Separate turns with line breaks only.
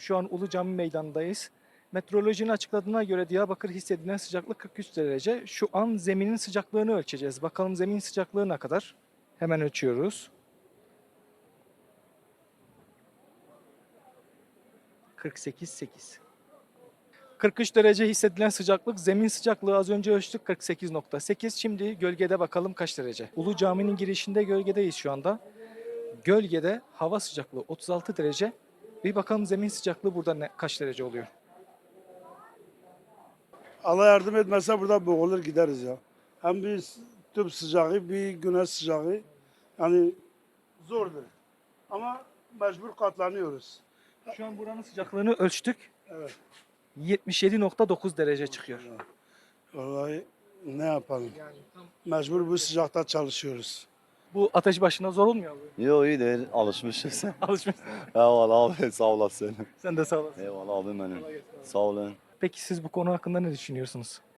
Şu an Ulu Cami Meydanı'ndayız. Meteorolojinin açıkladığına göre Diyarbakır hissedilen sıcaklık 43 derece. Şu an zeminin sıcaklığını ölçeceğiz. Bakalım zemin sıcaklığı ne kadar? Hemen ölçüyoruz. 48,8. 43 derece hissedilen sıcaklık, zemin sıcaklığı az önce ölçtük 48,8. Şimdi gölgede bakalım kaç derece. Ulu Cami'nin girişinde gölgedeyiz şu anda. Gölgede hava sıcaklığı 36 derece. Bir bakalım zemin sıcaklığı burada kaç derece oluyor?
Allah yardım etmezse burada boğulur gideriz ya. Hem bir tüp sıcağı, bir güneş sıcağı. Yani zordur. Ama mecbur katlanıyoruz.
Şu an buranın sıcaklığını ölçtük.
Evet.
77,9 derece çıkıyor.
Vallahi ne yapalım? Mecbur bu sıcakta çalışıyoruz.
Bu ateş başına zor olmuyor mu?
Yo iyi değil, alışmışız.
Alışmışsın.
Eyvallah abi, sağ olasın.
Sen de sağ olasın.
Eyvallah abim benim. Sağ olun.
Peki siz bu konu hakkında ne düşünüyorsunuz?